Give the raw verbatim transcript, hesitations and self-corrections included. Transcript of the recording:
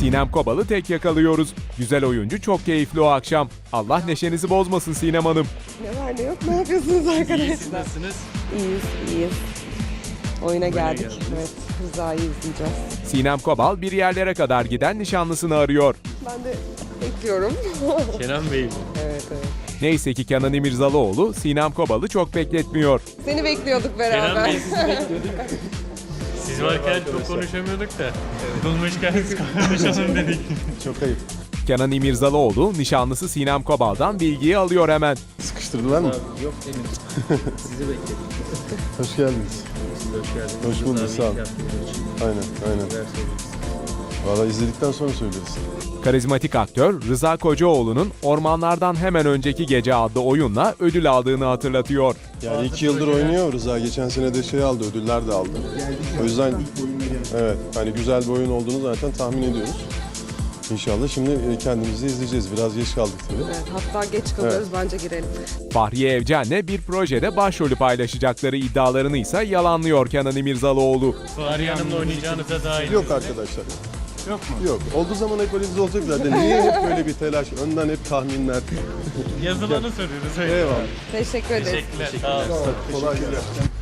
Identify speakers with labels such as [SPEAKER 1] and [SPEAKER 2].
[SPEAKER 1] Sinem Kobal'ı tek yakalıyoruz. Güzel oyuncu çok keyifli o akşam. Allah neşenizi bozmasın Sinem Hanım.
[SPEAKER 2] Ne var ne yok, ne yapıyorsunuz arkadaşlar?
[SPEAKER 3] İyi, siz nasılsınız?
[SPEAKER 2] İyiyiz, iyiyiz. Oyuna geldik.
[SPEAKER 3] geldiniz.
[SPEAKER 2] Evet, Rıza'yı izleyeceğiz.
[SPEAKER 1] Sinem Kobal bir yerlere kadar giden nişanlısını arıyor.
[SPEAKER 2] Ben de bekliyorum.
[SPEAKER 3] Kenan Bey mi?
[SPEAKER 2] Evet, evet.
[SPEAKER 1] Neyse ki Kenan İmirzalıoğlu Sinem Kobal'ı çok bekletmiyor.
[SPEAKER 2] Seni bekliyorduk
[SPEAKER 3] Kenan
[SPEAKER 2] beraber.
[SPEAKER 3] Bey sizi bekliyorduk. Siz varken çok konuşamıyorduk da. Bulmuşken konuşalım dedik.
[SPEAKER 4] Çok ayıp.
[SPEAKER 1] Kenan İmirzalıoğlu nişanlısı Sinem Kobal'dan bilgiyi alıyor hemen.
[SPEAKER 4] Sıkıştırdılar mı?
[SPEAKER 5] Yok henüz. Sizi bekledik.
[SPEAKER 4] Hoş geldiniz.
[SPEAKER 5] Siz de hoş geldiniz.
[SPEAKER 4] Hoş bulduk,
[SPEAKER 5] Rıza
[SPEAKER 4] sağ
[SPEAKER 5] Bey
[SPEAKER 4] olun.
[SPEAKER 5] yaptığınız için
[SPEAKER 4] Aynen, aynen.
[SPEAKER 5] neler söyleyeceksiniz?
[SPEAKER 4] Valla izledikten sonra söyleriz.
[SPEAKER 1] Karizmatik aktör Rıza Kocaoğlu'nun Ormanlardan Hemen Önceki Gece adlı oyunla ödül aldığını hatırlatıyor.
[SPEAKER 4] Yani iki yıldır oynuyor Rıza. Geçen sene de şey aldı, ödüller de aldı. O yüzden evet, hani güzel bir oyun olduğunu zaten tahmin ediyoruz. İnşallah şimdi kendimizi izleyeceğiz. Biraz geç kaldık tabii.
[SPEAKER 2] Evet, hatta geç kalıyoruz, bence girelim.
[SPEAKER 1] Fahriye Evcen'le bir projede başrolü paylaşacakları iddialarını ise yalanlıyor Kenan İmirzalıoğlu.
[SPEAKER 3] Fahriye Hanım'la oynayacağınıza dair.
[SPEAKER 4] Yok arkadaşlar.
[SPEAKER 3] Yok mu?
[SPEAKER 4] Yok. Olduğu zaman hep öyle olacak zaten. Niye hep böyle bir telaş? Önden hep tahminler.
[SPEAKER 3] Yazılanı soruyoruz. öyle.
[SPEAKER 4] Eyvallah.
[SPEAKER 2] Teşekkür ederiz.
[SPEAKER 3] Teşekkürler. Sağ olun.
[SPEAKER 4] Kolay gelsin.